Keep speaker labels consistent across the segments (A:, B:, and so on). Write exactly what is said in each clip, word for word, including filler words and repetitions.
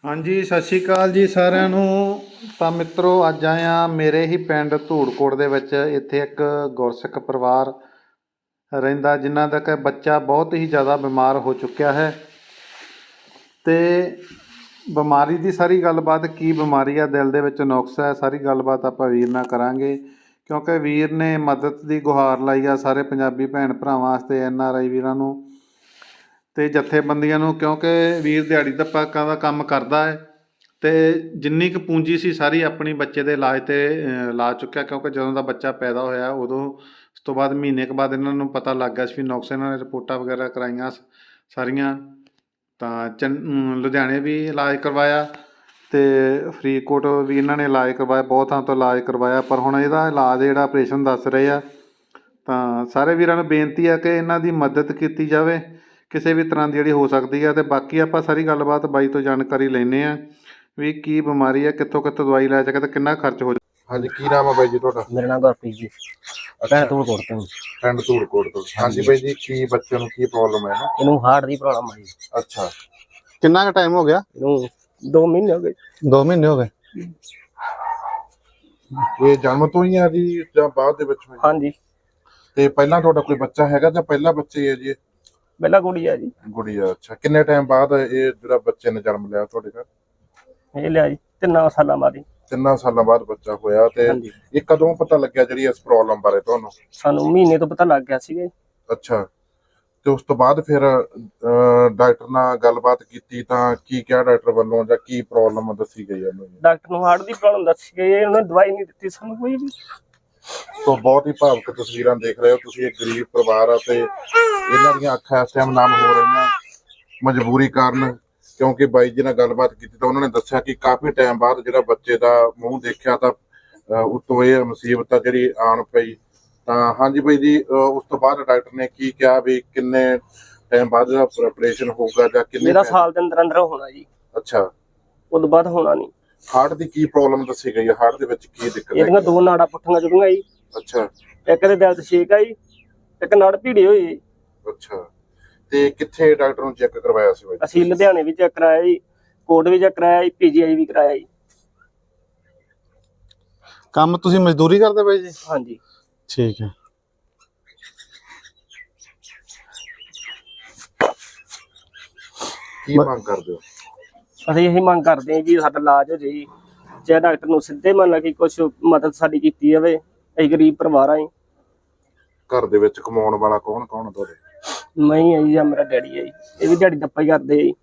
A: हाँ जी, सत श्री अकाल जी सारिਆਂ ਨੂੰ। ਤਾਂ ਮਿੱਤਰੋ ਅੱਜ ਆਇਆ ਮੇਰੇ ਹੀ ਪਿੰਡ ਧੂੜਕੋਟ ਦੇ ਵਿੱਚ। ਇੱਥੇ ਇੱਕ ਗੁਰਸਿੱਖ ਪਰਿਵਾਰ ਰਹਿੰਦਾ ਜਿਨ੍ਹਾਂ ਦਾ ਕਿ ਬੱਚਾ ਬਹੁਤ ਹੀ ਜ਼ਿਆਦਾ ਬਿਮਾਰ ਹੋ ਚੁੱਕਿਆ ਹੈ ਤੇ ਬਿਮਾਰੀ ਦੀ ਸਾਰੀ ਗੱਲਬਾਤ, ਕੀ ਬਿਮਾਰੀ ਆ, ਦਿਲ ਦੇ ਵਿੱਚ ਨੁਕਸ ਹੈ, ਸਾਰੀ ਗੱਲਬਾਤ ਆਪਾਂ ਵੀਰ ਨਾਲ ਕਰਾਂਗੇ ਕਿਉਂਕਿ ਵੀਰ ਨੇ ਮਦਦ ਦੀ ਗੁਹਾਰ ਲਾਈ ਆ ਸਾਰੇ ਪੰਜਾਬੀ ਭੈਣ ਭਰਾਵਾਂ ਵਾਸਤੇ, ਐਨ ਆਰ ਆਈ ਵੀਰਾਂ ਨੂੰ ਤੇ ਜਥੇਬੰਦੀਆਂ ਨੂੰ, ਕਿਉਂਕਿ ਵੀਰ ਦਿਹਾੜੀ ਦੱਪਾ ਦਾ ਕੰਮ ਕਰਦਾ ਹੈ ਤੇ ਜਿੰਨੀ ਕੁ ਪੂੰਜੀ ਸੀ ਸਾਰੀ ਆਪਣੀ ਬੱਚੇ ਦੇ ਇਲਾਜ ਤੇ ਲਾ ਚੁੱਕਿਆ। ਕਿਉਂਕਿ ਜਦੋਂ ਦਾ ਬੱਚਾ ਪੈਦਾ ਹੋਇਆ ਉਦੋਂ ਉਸ ਤੋਂ ਬਾਅਦ ਮਹੀਨੇ ਕੁ ਬਾਅਦ ਇਹਨਾਂ ਨੂੰ ਪਤਾ ਲੱਗ ਗਿਆ ਸੀ ਵੀ ਨੁਕਸ। ਇਹਨਾਂ ਨੇ ਰਿਪੋਰਟਾਂ ਵਗੈਰਾ ਕਰਾਈਆਂ ਸਾਰੀਆਂ, ਤਾਂ ਚੰ ਲੁਧਿਆਣੇ ਵੀ ਇਲਾਜ ਕਰਵਾਇਆ ਤੇ ਫਰੀਦਕੋਟ ਵੀ ਇਹਨਾਂ ਨੇ ਇਲਾਜ ਕਰਵਾਇਆ, ਬਹੁਤ ਥਾਂ ਤੋਂ ਇਲਾਜ ਕਰਵਾਇਆ, ਪਰ ਹੁਣ ਇਹਦਾ ਇਲਾਜ ਜਿਹੜਾ ਆਪਰੇਸ਼ਨ ਦੱਸ ਰਹੇ ਆ। ਤਾਂ ਸਾਰੇ ਵੀਰਾਂ ਨੂੰ ਬੇਨਤੀ ਆ ਕਿ ਇਹਨਾਂ ਦੀ ਮਦਦ ਕੀਤੀ ਜਾਵੇ ਕਿਸੇ ਵੀ ਤਰ੍ਹਾਂ ਦੀ ਜਿਹੜੀ ਹੋ ਸਕਦੀ ਹੈ। ਅਤੇ ਬਾਕੀ ਆਪਾਂ ਸਾਰੀ ਗੱਲਬਾਤ ਬਾਈ ਤੋਂ ਜਾਣਕਾਰੀ ਲੈਂਦੇ ਹਾਂ ਵੀ ਕੀ ਬਿਮਾਰੀ ਹੈ, ਕਿੱਥੋਂ ਕਿੱਥੋਂ ਦਵਾਈ ਲੈ ਸਕੇ ਤੇ ਕਿੰਨਾ ਖਰਚ ਹੋ।
B: ਹਾਂਜੀ, ਕੀ ਨਾਮ ਹੈ ਬਾਈ ਜੀ ਤੁਹਾਡਾ?
C: ਮੇਰਾ ਨਾਮ ਗੁਰਪ੍ਰੀਤ ਜੀ, ਪਿੰਡ ਧੂੜਕੋਟ ਤੋਂ।
B: ਪਿੰਡ ਧੂੜਕੋਟ ਤੋਂ। ਹਾਂਜੀ ਬਾਈ ਜੀ, ਕੀ ਬੱਚੇ ਨੂੰ ਕੀ ਪ੍ਰੋਬਲਮ ਹੈ?
C: ਇਹਨੂੰ ਹਾਰਟ ਦੀ ਪ੍ਰੋਬਲਮ ਆ ਜੀ।
B: ਅੱਛਾ,
A: ਕਿੰਨਾ ਕੁ ਟਾਈਮ ਹੋ ਗਿਆ?
C: ਇਹਨੂੰ ਦੋ ਮਹੀਨੇ ਹੋ ਗਏ।
A: ਦੋ ਮਹੀਨੇ ਹੋ ਗਏ।
B: ਇਹ ਜਨਮ ਤੋਂ ਹੀ ਆ ਜੀ ਜਾਂ ਬਾਅਦ ਦੇ ਵਿੱਚ ਹੋਈ?
C: ਹਾਂਜੀ,
B: ਤੇ ਪਹਿਲਾਂ ਤੁਹਾਡਾ ਕੋਈ ਬੱਚਾ ਹੈਗਾ ਜਾਂ ਪਹਿਲਾ ਬੱਚੇ ਹੈ ਜੀ?
C: ਪਹਿਲਾ ਕੁੜੀ ਆ ਜੀ।
B: ਗੁੜੀਆ। ਅੱਛਾ, ਕਿੰਨੇ ਟਾਈਮ ਬਾਅਦ ਇਹ ਜਿਹੜਾ ਬੱਚੇ ਨੇ ਜਨਮ ਲਿਆ ਤੁਹਾਡੇ ਘਰ?
C: ਇਹ ਲਿਆ ਜੀ ਤਿੰਨਾਂ ਸਾਲਾਂ ਬਾਅਦ ਹੀ।
B: ਤਿੰਨਾਂ ਸਾਲਾਂ ਬਾਅਦ ਬੱਚਾ ਹੋਇਆ। ਤੇ ਇਹ ਕਦੋਂ ਪਤਾ ਲੱਗਿਆ ਜਿਹੜੀ ਇਸ ਪ੍ਰੋਬਲਮ ਬਾਰੇ ਤੁਹਾਨੂੰ?
C: ਸਾਨੂੰ ਮਹੀਨੇ ਤੋਂ ਪਤਾ ਲੱਗ ਗਿਆ ਸੀਗਾ।
B: ਅੱਛਾ, ਤੇ ਉਸ ਤੋਂ ਬਾਅਦ ਫਿਰ ਡਾਕਟਰ ਨਾਲ ਗੱਲਬਾਤ ਕੀਤੀ ਤਾਂ ਕੀ ਕਿਹਾ ਡਾਕਟਰ ਵੱਲੋਂ, ਜਾਂ ਕੀ ਪ੍ਰੋਬਲਮ ਦੱਸੀ ਗਈ ਇਹਨੂੰ?
C: ਡਾਕਟਰ ਨੂੰ ਹਾਰਟ ਦੀ ਪ੍ਰੋਬਲਮ ਦੱਸੀ ਗਈ ਹੈ, ਉਹਨੇ ਦਵਾਈ ਨਹੀਂ ਦਿੱਤੀ ਸਾਨੂੰ ਕੋਈ ਵੀ।
B: ਸੋ ਬਹੁਤ ਹੀ ਭਾਵੁਕ ਤਸਵੀਰਾਂ ਦੇਖ ਰਹੇ ਹੋ ਤੁਸੀਂ। ਇੱਕ ਗਰੀਬ ਪਰਿਵਾਰ ਆ ਤੇ ਇਹਨਾਂ ਦੀਆਂ ਅੱਖਾਂ ਇਸ ਟਾਈਮ ਨਮ ਹੋ ਰਹੀਆਂ ਮਜਬੂਰੀ ਕਾਰਨ, ਕਿਉਂਕਿ ਬਾਈ ਜੀ ਨਾਲ ਗੱਲਬਾਤ ਕੀਤੀ ਤਾਂ ਉਹਨਾਂ ਨੇ ਦੱਸਿਆ ਕਿ ਕਾਫੀ ਟਾਈਮ ਬਾਅਦ ਜਿਹੜਾ ਬੱਚੇ ਦਾ ਮੂੰਹ ਦੇਖਿਆ ਤਾਂ ਉਤੋਂ ਇਹ ਮੁਸੀਬਤ ਆ ਜਿਹੜੀ ਆਣ ਪਈ। ਤਾਂ ਹਾਂਜੀ ਬਾਈ ਜੀ, ਉਸ ਤੋਂ ਬਾਅਦ ਡਾਕਟਰ ਨੇ ਕੀ ਕਿਹਾ ਵੀ ਕਿੰਨੇ ਟਾਈਮ ਬਾਅਦ ਜਿਹੜਾ ਆਪਰੇਸ਼ਨ ਹੋਊਗਾ ਜਾਂ ਕਿੰਨੇ?
C: ਮੇਰਾ ਸਾਲ ਦੇ ਅੰਦਰ ਅੰਦਰ ਹੋਣਾ ਜੀ।
B: ਅੱਛਾ,
C: ਉਦੋਂ ਬਾਅਦ ਹੋਣਾ ਨਹੀਂ।
B: ਹਾਰਟ ਦੀ ਕੀ ਪ੍ਰੋਬਲਮ ਦੱਸੀ ਗਈ ਹੈ? ਹਾਰਟ ਦੇ ਵਿੱਚ ਕੀ ਦਿੱਕਤ ਹੈ?
C: ਇਹਦੀਆਂ ਦੋ ਨਾੜਾਂ ਪੁੱਠੀਆਂ ਜੁੜੀਆਂ ਜੀ।
B: ਅੱਛਾ,
C: ਇੱਕ ਦੇ ਦਿਲ 'ਚ ਛੇਕ ਆ ਜੀ, ਇੱਕ ਨਾੜ ਭੀੜੀ ਹੋਈ ਜੀ।
B: ਅੱਛਾ, ਤੇ ਕਿੱਥੇ ਡਾਕਟਰ ਨੂੰ ਚੈੱਕ ਕਰਵਾਇਆ ਸੀ ਬਾਈ?
C: ਅਸੀਂ ਲੁਧਿਆਣੇ ਵੀ ਚੈੱਕ ਕਰਾਇਆ ਜੀ, ਕੋਟ ਵੀ ਚੈੱਕ ਕਰਾਇਆ ਜੀ, ਪੀਜੀਆਈ ਵੀ ਕਰਾਇਆ ਜੀ।
A: ਕੰਮ ਤੁਸੀਂ ਮਜ਼ਦੂਰੀ ਕਰਦੇ ਬਾਈ ਜੀ?
C: ਹਾਂਜੀ,
A: ਠੀਕ ਹੈ।
B: ਕੀ ਮੰਗ ਕਰਦੇ ਹੋ?
C: ਅਸੀਂ ਇਹੀ ਮੰਗ ਕਰਦੇ ਹਾਂ ਜੀ ਸਾਡਾ ਇਲਾਜ ਹੋ ਜਾਏ ਜੀ, ਚਾਹੇ ਡਾਕਟਰ ਨੂੰ ਸਿੱਧੇ ਮੰਨ ਲਾ ਕਿ ਕੁਛ ਮਦਦ ਸਾਡੀ ਕੀਤੀ ਜਾਵੇ। ਅਸੀਂ ਗਰੀਬ ਪਰਿਵਾਰ ਆ ਜੀ।
B: ਘਰ ਦੇ ਵਿੱਚ ਕਮਾਉਣ ਵਾਲਾ ਕੌਣ ਕੌਣ ਆ ਤੁਹਾਡੇ?
C: ਮੈਂ ਹੀ ਆ ਜੀ, ਜਾਂ ਮੇਰਾ ਡੈਡੀ ਹੈ ਜੀ, ਇਹ ਵੀ ਦਿਹਾੜੀ ਦੱਪਾ ਹੀ ਕਰਦੇ ਆ ਜੀ।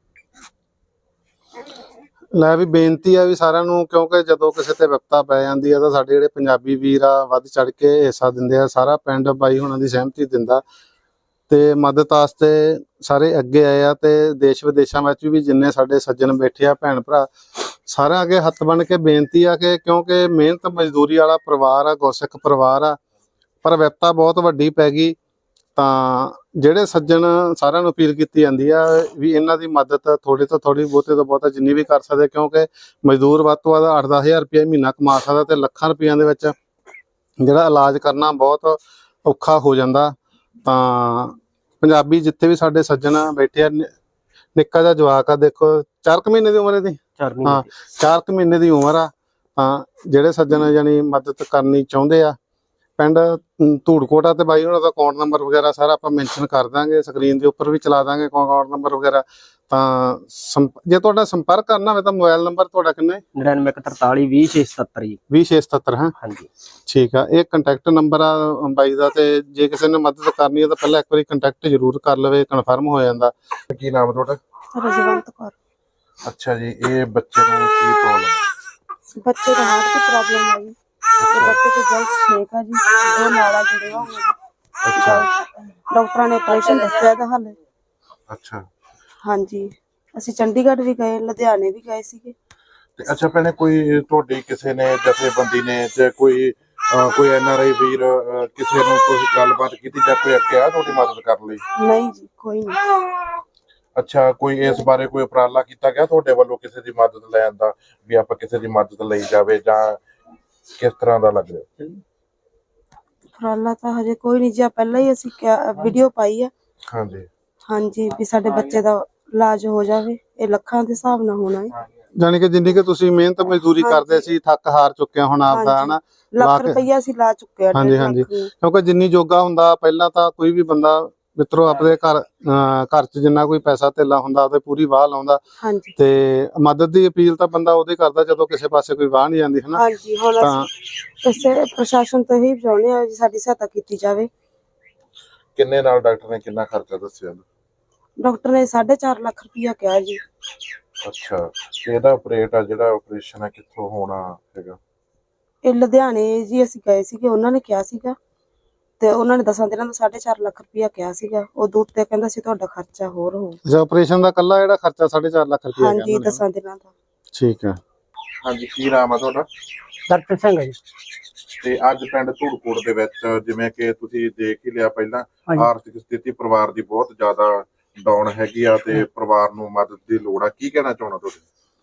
A: ਲੈ ਵੀ ਬੇਨਤੀ ਆ ਵੀ ਸਾਰਿਆਂ ਨੂੰ, ਕਿਉਂਕਿ ਜਦੋਂ ਕਿਸੇ ਤੇ ਵਿਪਤਾ ਪੈ ਜਾਂਦੀ ਆ ਤਾਂ ਸਾਡੇ ਜਿਹੜੇ ਪੰਜਾਬੀ ਵੀਰ ਆ ਵੱਧ ਚੜ ਕੇ ਹਿੱਸਾ ਦਿੰਦੇ ਆ। ਸਾਰਾ ਪਿੰਡ ਬਾਈ ਹੁਣਾਂ ਦੀ ਸਹਿਮਤੀ ਦਿੰਦਾ ਤੇ ਮਦਦ ਵਾਸਤੇ ਸਾਰੇ ਅੱਗੇ ਆਏ ਆ। ਤੇ ਦੇਸ਼ ਵਿਦੇਸ਼ਾਂ ਵਿੱਚ ਵੀ ਜਿੰਨੇ ਸਾਡੇ ਸੱਜਣ ਬੈਠੇ ਆ ਭੈਣ ਭਰਾ, ਸਾਰਿਆਂ ਅੱਗੇ ਹੱਥ ਬਣ ਕੇ ਬੇਨਤੀ ਆ ਕਿ ਕਿਉਂਕਿ ਮਿਹਨਤ ਮਜ਼ਦੂਰੀ ਵਾਲਾ ਪਰਿਵਾਰ ਆ, ਗੁਰਸਿੱਖ ਪਰਿਵਾਰ ਆ, ਪਰ ਵਿਪਤਾ ਬਹੁਤ ਵੱਡੀ ਪੈ ਗਈ। ਤਾਂ ਜਿਹੜੇ ਸੱਜਣ ਸਾਰਿਆਂ ਨੂੰ ਅਪੀਲ ਕੀਤੀ ਜਾਂਦੀ ਆ ਵੀ ਇਹਨਾਂ ਦੀ ਮਦਦ ਥੋੜੀ ਤੋਂ ਥੋੜੀ, ਬਹੁਤੇ ਤੋਂ ਬਹੁਤਾ ਜਿੰਨੀ ਵੀ ਕਰ ਸਕਦੇ, ਕਿਉਂਕਿ ਮਜ਼ਦੂਰ ਵੱਧ ਤੋਂ ਵੱਧ ਅੱਠ ਦਸ ਹਜ਼ਾਰ ਰੁਪਇਆ ਮਹੀਨਾ ਕਮਾ ਸਕਦਾ ਤੇ ਲੱਖਾਂ ਰੁਪਈਆਂ ਦੇ ਵਿੱਚ ਜਿਹੜਾ ਇਲਾਜ ਕਰਨਾ ਬਹੁਤ ਔਖਾ ਹੋ ਜਾਂਦਾ। ਤਾਂ ਪੰਜਾਬੀ ਜਿੱਥੇ ਵੀ ਸਾਡੇ ਸੱਜਣ ਬੈਠੇ ਆ, ਨਿੱਕਾ ਜਿਹਾ ਜਵਾਕ ਆ, ਦੇਖੋ ਚਾਰ ਕੁ ਮਹੀਨੇ ਦੀ ਉਮਰ ਇਹਦੀ। ਹਾਂ, ਚਾਰ ਕੁ ਮਹੀਨੇ ਦੀ ਉਮਰ ਆ। ਤਾਂ ਜਿਹੜੇ ਸੱਜਣ ਜਾਨੀ ਮਦਦ ਕਰਨੀ ਚਾਹੁੰਦੇ ਆ, ਪਿੰਡ ਧੂੜਕੋਟ ਆ, ਤੇ ਬਾਈ ਉਹਨਾਂ ਦਾ ਅਕਾਊਂਟ ਨੰਬਰ ਵਗੈਰਾ ਸਾਰਾ ਆਪਾਂ ਮੈਂਸ਼ਨ ਕਰ ਦਾਂਗੇ, ਸਕਰੀਨ ਦੇ ਉੱਪਰ ਵੀ ਚਲਾ ਦਾਂਗੇ ਅਕਾਊਂਟ ਨੰਬਰ ਵਗੈਰਾ। ਤਾਂ ਜੇ ਤੁਹਾਡਾ ਸੰਪਰਕ ਕਰਨਾ ਹੋਵੇ ਤਾਂ ਮੋਬਾਈਲ ਨੰਬਰ ਤੁਹਾਡਾ ਕਿੰਨਾ ਹੈ?
C: ਨੜਿਨਵੇਂ ਇੱਕ ਤਰਤਾਲੀ ਵੀਹ ਛੇ ਸਤੱਤਰ ਜੀ।
A: ਵੀਹ ਛੇ ਸਤੱਤਰ ਹੈ?
C: ਹਾਂਜੀ,
A: ਠੀਕ ਆ। ਇਹ ਕੰਟੈਕਟ ਨੰਬਰ ਆ ਬਾਈ ਦਾ, ਤੇ ਜੇ ਕਿਸੇ ਨੇ ਮਦਦ ਕਰਨੀ ਹੈ ਤਾਂ ਪਹਿਲਾਂ ਇੱਕ ਵਾਰੀ ਕੰਟੈਕਟ ਜ਼ਰੂਰ ਕਰ ਲਵੇ, ਕਨਫਰਮ ਹੋ ਜਾਂਦਾ।
B: ਕੀ ਨਾਮ ਤੁਹਾਡਾ?
D: ਰਜਵੰਤ ਕੌਰ।
B: ਅੱਛਾ ਜੀ, ਇਹ ਬੱਚੇ ਨੂੰ ਕੀ ਪ੍ਰੋਬਲਮ?
D: ਬੱਚੇ ਦਾ ਹਾਰਟ ਦੀ ਪ੍ਰੋਬਲਮ ਹੈ ਜੀ। ਤੇ ਬੱਚੇ ਦੇ ਦਿਲ 'ਚ ਛੇਕ ਆ ਜੀ, ਦੋ ਨਾੜਾਂ ਜੁੜੀਆਂ ਹੋਈਆਂ।
B: ਅੱਛਾ,
D: ਡਾਕਟਰਾਂ ਨੇ ਆਪਰੇਸ਼ਨ ਦੱਸਿਆ ਇਹਦਾ ਹੱਲ।
B: ਅੱਛਾ,
D: ਹਾਂਜੀ, ਅਸੀਂ ਚੰਡੀਗੜ੍ਹ ਵੀ ਗਏ, ਲੁਧਿਆਣੇ ਵੀ ਗਏ ਸੀਗੇ।
B: ਤੇ ਅੱਛਾ ਭੈਣੇ, ਕੋਈ ਤੁਹਾਡੀ ਕਿਸੇ ਨੇ ਜਥੇਬੰਦੀ ਨੇ ਜਾਂ ਕੋਈ ਕੋਈ ਐਨ ਆਰ ਆਈ ਵੀਰ ਕਿਸੇ ਨੂੰ ਤੁਸੀਂ ਗੱਲਬਾਤ ਕੀਤੀ ਜਾਂ ਕੋਈ ਅੱਗੇ ਆ ਤੁਹਾਡੀ ਮਦਦ ਕਰਨ ਲਈ?
D: ਨਹੀਂ ਜੀ, ਕੋਈ ਨਹੀਂ।
B: ਅੱਛਾ, ਕੋਈ ਇਸ ਬਾਰੇ ਕੋਈ ਉਪਰਾਲਾ ਕੀਤਾ ਗਿਆ ਤੁਹਾਡੇ ਵੱਲੋਂ ਕਿਸੇ ਦੀ ਮਦਦ ਲੈਣ ਦਾ, ਵੀ ਆਪਾਂ ਕਿਸੇ ਦੀ ਮਦਦ ਲਈ ਜਾਵੇ, ਜਾਂ ਕਿਸ ਤਰ੍ਹਾਂ ਦਾ ਲੱਗ ਰਿਹਾ?
D: ਉਪਰਾਲਾ ਤਾਂ ਹਜੇ ਕੋਈ ਨਹੀਂ ਜੀ, ਪਹਿਲਾਂ ਹੀ ਅਸੀਂ ਵੀਡੀਓ ਪਾਈ ਆ।
B: ਹਾਂਜੀ
D: ਹਾਂਜੀ, ਵੀ ਸਾਡੇ ਬੱਚੇ ਦਾ ਇਲਾਜ ਹੋ ਜਾਵੇ, ਇਹ ਲੱਖਾਂ ਦੇ ਹਿਸਾਬ ਨਾਲ ਹੋਣਾ ਹੈ।
A: ਜਾਣੀ ਕਿ ਜਿੰਨੀ ਕਿ ਤੁਸੀਂ ਮਿਹਨਤ ਮਜ਼ਦੂਰੀ ਕਰਦੇ ਸੀ ਥੱਕ ਹਾਰ ਚੁੱਕੇ ਹੋ ਹੁਣ ਆਪਦਾ
D: ਹਾਂਜੀ।
A: ਹਨਾ ਲਾ
D: ਲੱਖ
A: ਕੇ-
D: ਰੁਪਈਆ ਸੀ ਲਾ ਚੁੱਕਿਆ
A: ਹਾਂਜੀ,
D: ਡੇਢ
A: ਹਾਂਜੀ।
D: ਲੱਖ ਨੂੰ।
A: ਕਿਉਂਕਿ ਜਿੰਨੀ ਜੋਗਾ ਹੁੰਦਾ ਪਹਿਲਾਂ ਤਾਂ ਕੋਈ ਵੀ ਬੰਦਾ ਮਿੱਤਰੋ ਆਪਣੇ ਘਰ ਅਹ ਘਰ 'ਚ ਜਿੰਨਾ ਕੋਈ ਪੈਸਾ ਧੇਲਾ ਹੁੰਦਾ ਉਹਦੇ ਪੂਰੀ ਵਾਹ ਲਾਉਂਦਾ
D: ਹਾਂਜੀ
A: ਤੇ ਮਦਦ ਦੀ ਅਪੀਲ ਤਾਂ ਬੰਦਾ ਉਹਦੇ ਕਰਦਾ ਜਦੋਂ ਕਿਸੇ ਪਾਸੇ ਕੋਈ ਵਾਹ ਨਹੀਂ ਜਾਂਦੀ ਹਨਾ।
D: ਹਾਂਜੀ ਹੁਣ
A: ਤਾਂ
D: ਅਸੀਂ ਇਸੇ ਪ੍ਰਸ਼ਾਸਨ ਤੋਂ ਹੀ ਚਾਹੁੰਦੇ ਹਾਂ ਜੀ ਸਾਡੀ ਸਹਾਇਤਾ ਕੀਤੀ ਜਾਵੇ।
B: ਕਿੰਨੇ ਨਾਲ ਡਾਕਟਰ ਨੇ ਕਿੰਨਾ ਖਰਚਾ ਦੱਸਿਆ?
D: ਡਾਕਟਰ ਨੇ ਸਾਢੇ ਚਾਰ ਲੱਖ ਰੁਪਈਆ ਕਿਹਾ ਜੀ।
B: ਅੱਛਾ, ਤੇ ਇਹਦਾ ਆਪਰੇਟ ਆ ਜਿਹੜਾ ਆਪਰੇਸ਼ਨ ਹੈ ਕਿੱਥੋਂ ਹੋਣਾ ਹੈਗਾ?
D: ਇਹ ਲੁਧਿਆਣੇ ਜੀ ਅਸੀਂ ਗਏ ਸੀਗੇ, ਉਹਨਾਂ ਨੇ ਕਿਹਾ ਸੀਗਾ ਤੇ ਉਹਨਾਂ ਨੇ ਦਸਾਂ ਦਿਨਾਂ ਦਾ ਸਾਢੇ ਚਾਰ ਲੱਖ ਰੁਪਈਆ ਕਿਹਾ ਸੀਗਾ। ਉਦੋਂ ਉੱਤੇ ਕਹਿੰਦਾ ਸੀ ਤੁਹਾਡਾ ਖਰਚਾ ਹੋਰ ਹੋਊ।
A: ਅੱਛਾ ਆਪਰੇਸ਼ਨ ਦਾ ਕੱਲਾ ਜਿਹੜਾ ਖਰਚਾ ਸਾਢੇ ਚਾਰ ਲੱਖ ਰੁਪਏ
D: ਹਾਂਜੀ ਦਸਾਂ ਦਿਨਾਂ ਦਾ।
A: ਠੀਕ ਹੈ।
B: ਹਾਂਜੀ, ਕੀ ਨਾਮ ਆ ਤੁਹਾਡਾ?
C: ਡਾਕਟਰ ਸਿੰਘ ਜੀ।
B: ਤੇ ਅੱਜ ਪਿੰਡ ਧੂੜਕੋਟ ਦੇ ਵਿੱਚ ਜਿਵੇਂ ਕਿ ਤੁਸੀਂ ਦੇਖ ਹੀ ਲਿਆ ਪਹਿਲਾਂ,
C: ਹਾਂਜੀ।
B: ਆਰਥਿਕ ਸਥਿਤੀ ਪਰਿਵਾਰ ਦੀ ਬਹੁਤ ਜ਼ਿਆਦਾ ਡਾਊਨ ਹੈਗੀ ਆ ਤੇ ਪਰਿਵਾਰ ਨੂੰ ਮਦਦ ਦੀ ਲੋੜ ਆ। ਕੀ ਕਹਿਣਾ ਚਾਹੁੰਦਾ ਤੁਸੀਂ?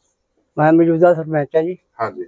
C: ਮੈਂ ਮੌਜੂਦਾ ਸਰਪੰਚ ਆ ਜੀ
B: ਹਾਂਜੀ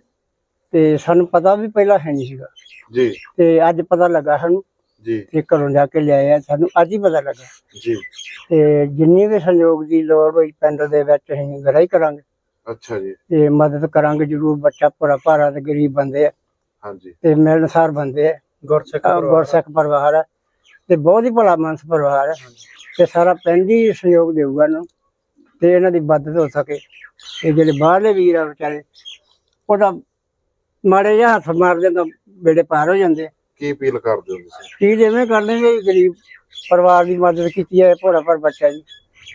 C: ਤੇ ਸਾਨੂੰ ਪਤਾ ਵੀ ਪਹਿਲਾਂ ਹੈ ਨਹੀਂ ਸੀਗਾ
B: ਜੀ
C: ਤੇ ਅੱਜ ਪਤਾ ਲੱਗਾ ਸਾਨੂੰ
B: ਜੀ
C: ਤੇ ਘਰੋਂ ਜਾ ਕੇ ਲਿਆਏ ਆ, ਸਾਨੂੰ ਅੱਜ ਹੀ ਪਤਾ ਲੱਗਾ।
B: ਜੀ।
C: ਤੇ ਜਿੰਨੀ ਵੀ ਸਹਿਯੋਗ ਦੀ ਲੋੜ ਹੋਈ ਪਿੰਡ ਦੇ ਵਿੱਚ ਅਸੀਂ ਗਰਾਈ ਕਰਾਂਗੇ
B: ਅੱਛਾ ਜੀ।
C: ਤੇ ਮਦਦ ਕਰਾਂਗੇ ਜ਼ਰੂਰ। ਬੱਚਾ ਭਰਾ ਭਾਰਾ ਤੇ ਗਰੀਬ ਬੰਦੇ ਆ
B: ਹਾਂਜੀ।
C: ਤੇ ਮਿਲਣਸਾਰ ਬੰਦੇ ਆ, ਗੁਰਸਿੱਖ ਗੁਰਸਿੱਖ ਪਰਿਵਾਰ ਆ ਤੇ ਬਹੁਤ ਹੀ ਭਲਾ ਮਾਨਸ ਪਰਿਵਾਰ ਆ ਤੇ ਸਾਰਾ ਪਿੰਡ ਹੀ ਸਹਿਯੋਗ ਦੇਊਗਾ ਇਹਨੂੰ ਤੇ ਇਹਨਾਂ ਦੀ ਮਦਦ ਹੋ ਸਕੇ। ਤੇ ਜਿਹੜੇ ਬਾਹਰਲੇ ਵੀਰ ਆ ਵਿਚਾਰੇ ਉਹਦਾ ਮਾੜੇ ਜਿਹਾ ਹੱਥ ਮਾਰਦੇ ਤਾਂ ਬੇੜੇ ਪਾਰ ਹੋ ਜਾਂਦੇ ਆ।
B: ਕੀ ਅਪੀਲ ਕਰਦੇ ਹੋ ਤੁਸੀਂ?
C: ਕੀ ਜਿਵੇਂ ਕਰਦੇ ਵੀ ਗਰੀਬ ਪਰਿਵਾਰ ਦੀ ਮਦਦ ਕੀਤੀ ਹੈ ਭੋਲਾ ਭਰ ਬੱਚਾ ਜੀ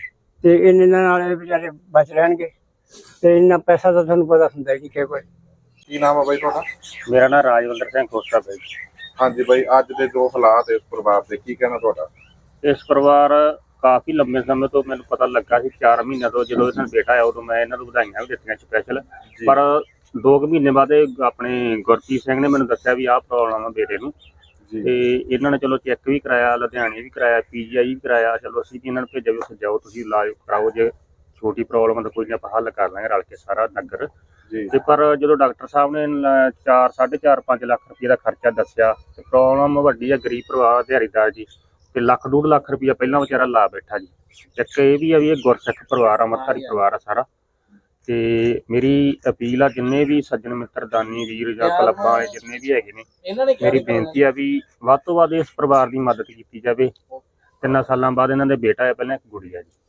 C: ਤੇ ਇਹਨਾਂ ਨਾਲ ਇਹ ਵਿਚਾਰੇ ਬਚ ਰਹਿਣਗੇ ਤੇ ਇੰਨਾ ਪੈਸਾ ਤਾਂ ਤੁਹਾਨੂੰ ਪਤਾ ਹੁੰਦਾ ਹੀ ਕਿ ਕੋਈ।
B: ਕੀ ਨਾਮ ਆ ਬਾਈ ਤੁਹਾਡਾ?
C: ਮੇਰਾ ਨਾਮ ਰਾਜਵਿੰਦਰ ਸਿੰਘ ਖੋਸਾ ਬਾਈ।
B: ਹਾਂਜੀ ਬਾਈ, ਅੱਜ ਦੇ ਜੋ ਹਾਲਾਤ ਇਸ ਪਰਿਵਾਰ ਦੇ, ਕੀ ਕਹਿਣਾ ਤੁਹਾਡਾ?
C: ਇਸ ਪਰਿਵਾਰ ਕਾਫੀ ਲੰਬੇ ਸਮੇਂ ਤੋਂ ਮੈਨੂੰ ਪਤਾ ਲੱਗਾ ਸੀ, ਚਾਰ ਮਹੀਨਿਆਂ ਤੋਂ ਜਦੋਂ ਇਹਨਾਂ ਦਾ ਬੇਟਾ ਆਇਆ ਉਦੋਂ ਮੈਂ ਇਹਨਾਂ ਨੂੰ ਵਧਾਈਆਂ ਵੀ ਦਿੱਤੀਆਂ ਸਪੈਸ਼ਲ। ਪਰ ਦੋ ਕੁ ਮਹੀਨੇ ਬਾਅਦ ਇਹ ਆਪਣੇ ਗੁਰਪ੍ਰੀਤ ਸਿੰਘ ਨੇ ਮੈਨੂੰ ਦੱਸਿਆ ਵੀ ਆਹ ਪ੍ਰੋਬਲਮ ਆ ਬੇਟੇ ਨੂੰ ਤੇ ਇਹਨਾਂ ਨੇ ਚਲੋ ਚੈੱਕ ਵੀ ਕਰਾਇਆ, ਲੁਧਿਆਣੇ ਵੀ ਕਰਾਇਆ, ਪੀਜੀਆਈ ਵੀ ਕਰਾਇਆ। ਚਲੋ ਅਸੀਂ ਵੀ ਇਹਨਾਂ ਨੂੰ ਭੇਜਿਆ ਵੀ ਉੱਥੇ ਜਾਓ ਤੁਸੀਂ ਇਲਾਜ ਕਰਾਓ, ਜੇ ਛੋਟੀ ਪ੍ਰੋਬਲਮ ਤਾਂ ਕੋਈ ਨਹੀਂ ਆਪਾਂ ਹੱਲ ਕਰ ਲਾਂਗੇ ਰਲ ਕੇ ਸਾਰਾ ਨਗਰ। ਤੇ ਪਰ ਜਦੋਂ ਡਾਕਟਰ ਸਾਹਿਬ ਨੇ ਲ- ਚਾਰ ਸਾਢੇ ਚਾਰ ਪੰਜ ਲੱਖ ਰੁਪਏ ਦਾ ਖਰਚਾ ਦੱਸਿਆ ਤੇ ਪ੍ਰੋਬਲਮ ਵੱਡੀ ਆ, ਗਰੀਬ ਪਰਿਵਾਰ ਦਿਹਾੜੀਦਾਰ ਜੀ ਤੇ ਲੱਖ ਡੂਢ ਲੱਖ ਰੁਪਇਆ ਪਹਿਲਾਂ ਵਿਚਾਰਾ ਲਾ ਬੈਠਾ ਜੀ। ਇੱਕ ਇਹ ਵੀ ਆ ਵੀ ਇਹ ਗੁਰਸਿੱਖ ਪਰਿਵਾਰ ਆ, ਅੰਮ੍ਰਿਤਧਾਰੀ ਪਰਿਵਾਰ ਆ ਸਾਰਾ। ਤੇ ਮੇਰੀ ਅਪੀਲ ਆ ਜਿੰਨੇ ਵੀ ਸੱਜਣ ਮਿੱਤਰ ਦਾਨੀ ਵੀਰ ਜਾਂ ਕਲੱਬਾਂ ਵਾਲੇ ਜਿੰਨੇ ਵੀ ਹੈਗੇ ਨੇ, ਮੇਰੀ ਬੇਨਤੀ ਆ ਵੀ ਵੱਧ ਤੋਂ ਵੱਧ ਇਸ ਪਰਿਵਾਰ ਦੀ ਮਦਦ ਕੀਤੀ ਜਾਵੇ। ਤਿੰਨਾਂ ਸਾਲਾਂ ਬਾਅਦ ਇਹਨਾਂ ਦੇ ਬੇਟਾ ਆ, ਪਹਿਲਾਂ ਇੱਕ ਗੁੜੀਆ ਜੀ।